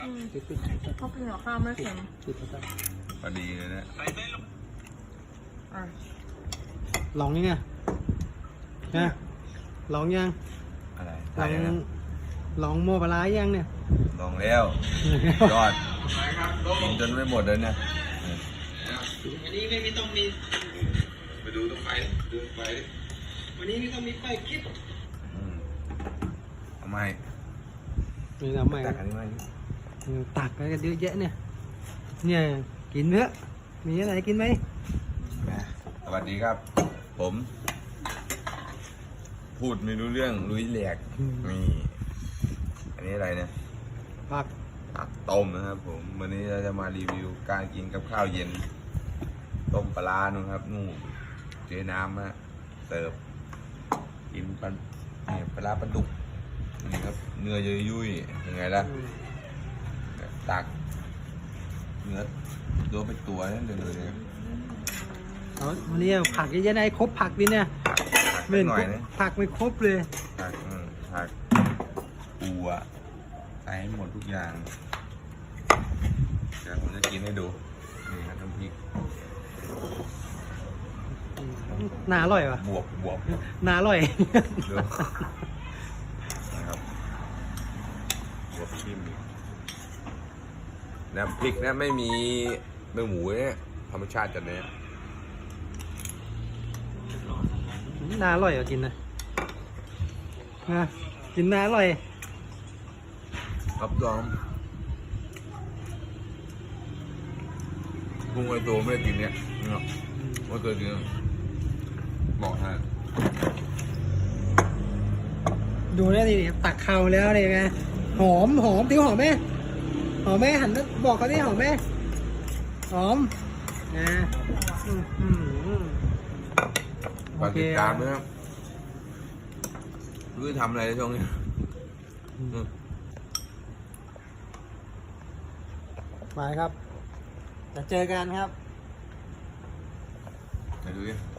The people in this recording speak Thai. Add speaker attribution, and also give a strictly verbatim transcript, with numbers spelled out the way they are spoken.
Speaker 1: ปิดปิดเขากินกับข้าวไม่เค็มปิดไปพอดีเลยนะลองยังไงนะลองยังอะไรลองลองโมปลายังเนี่ยลองแล้วยอดกินจนไม่หมดเลยเนี่ยวันนี้ไม่ต้องมีไปดูตรงไฟดูไฟวันนี้ไม่ต้องมีไฟคลิปทำไมนี่ทำไมตักอันนี้มาตักอะไรกันเยอะแยะเนี่ยเนี่ยกินเนื้อมีอะไรกินไหมสวัสดีครับผมพูดไม่รู้เรื่องลุยแหลกนี่อันนี้อะไรเนี่ยผักผักต้มนะครับผมวันนี้เราจะมารีวิวการกินกับข้าวเย็นต้มปลาหนูครับนู่นเจ๊น้ำฮะเสิร์ฟกินปลาเนี่ยปลาปลาดุกนี่ครับเนื้อยุ่ยๆยังไงล่ะตักเนื้อโดนไปตัวนั่นเลยเลยเอาวันนี้ผักเยอะๆได้ครบผักดิเนี่ยไม่หน่อยนะผักไม่ครบเลยผักผักปูอ่ะใส่ให้หมดทุกอย่างเดี๋ยวผมจะกินให้ดูนี่ครับน้ำพริกน่าอร่อยว่ะบวบบวบน่าอร่อยดูนะครับบวบชิมน้ำพริกนะไม่มีเนื้อหมูเนี่ยธรรมชาติจัดเนี่ยน่าอร่อยอ่ะกินนะนะกินน่าอร่อยรับรองพุงไอตัวไม่ได้กินเนี่ยเนาะไม่เคยกินบอกให้ดูได้ดิตักเข่าแล้วเลยไงหอมหอมติ้วหอมไหมหอมไหมหันบอกเขาดิหอมไหมหอมนะฝากติดตามด้วยครับรู้จะทำอะไรในช่วงนี้มาครับจะเจอกันครับไปดูดิ